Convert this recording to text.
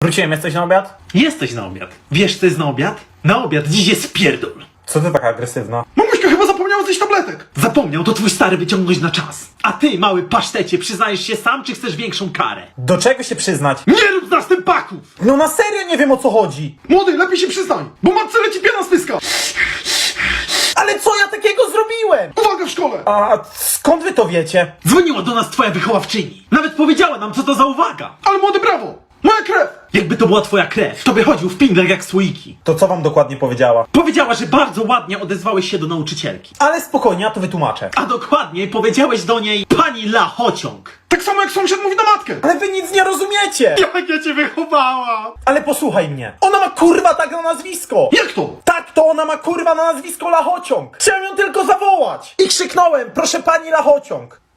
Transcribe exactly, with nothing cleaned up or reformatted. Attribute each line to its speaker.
Speaker 1: Wróciłem, jesteś na obiad?
Speaker 2: Jesteś na obiad. Wiesz, co jest na obiad? Na obiad dziś jest pierdol.
Speaker 1: Co ty taka agresywna?
Speaker 3: Mamuśka chyba zapomniała zjeść tabletek.
Speaker 2: Zapomniał to twój stary wyciągnąć na czas. A ty, mały pasztecie, przyznajesz się sam, czy chcesz większą karę?
Speaker 1: Do czego się przyznać?
Speaker 2: Nie rób z nas tym paków!
Speaker 1: No na serio nie wiem, o co chodzi.
Speaker 3: Młody, lepiej się przyznaj, bo matce leci piana z pyska.
Speaker 1: Ale co ja takiego zrobiłem?
Speaker 3: Uwaga w szkole.
Speaker 1: A skąd wy to wiecie?
Speaker 2: Dzwoniła do nas twoja wychowawczyni. Nawet powiedziała nam, co to za uwaga.
Speaker 3: Ale młody, brawo. Moja krew.
Speaker 2: Jakby to była twoja krew, to by chodził w pinglach jak słoiki.
Speaker 1: To co wam dokładnie powiedziała?
Speaker 2: Powiedziała, że bardzo ładnie odezwałeś się do nauczycielki.
Speaker 1: Ale spokojnie, ja to wytłumaczę.
Speaker 2: A dokładniej powiedziałeś do niej pani Lachociąg.
Speaker 3: Tak samo jak sąsiad mówi na matkę.
Speaker 1: Ale wy nic nie rozumiecie!
Speaker 2: Jak ja cię wychowałam!
Speaker 1: Ale posłuchaj mnie. Ona ma kurwa tak na nazwisko!
Speaker 3: Jak to?
Speaker 1: Tak, to ona ma kurwa na nazwisko Lachociąg! Chciałem ją tylko zawołać! I krzyknąłem, proszę pani Lachociąg!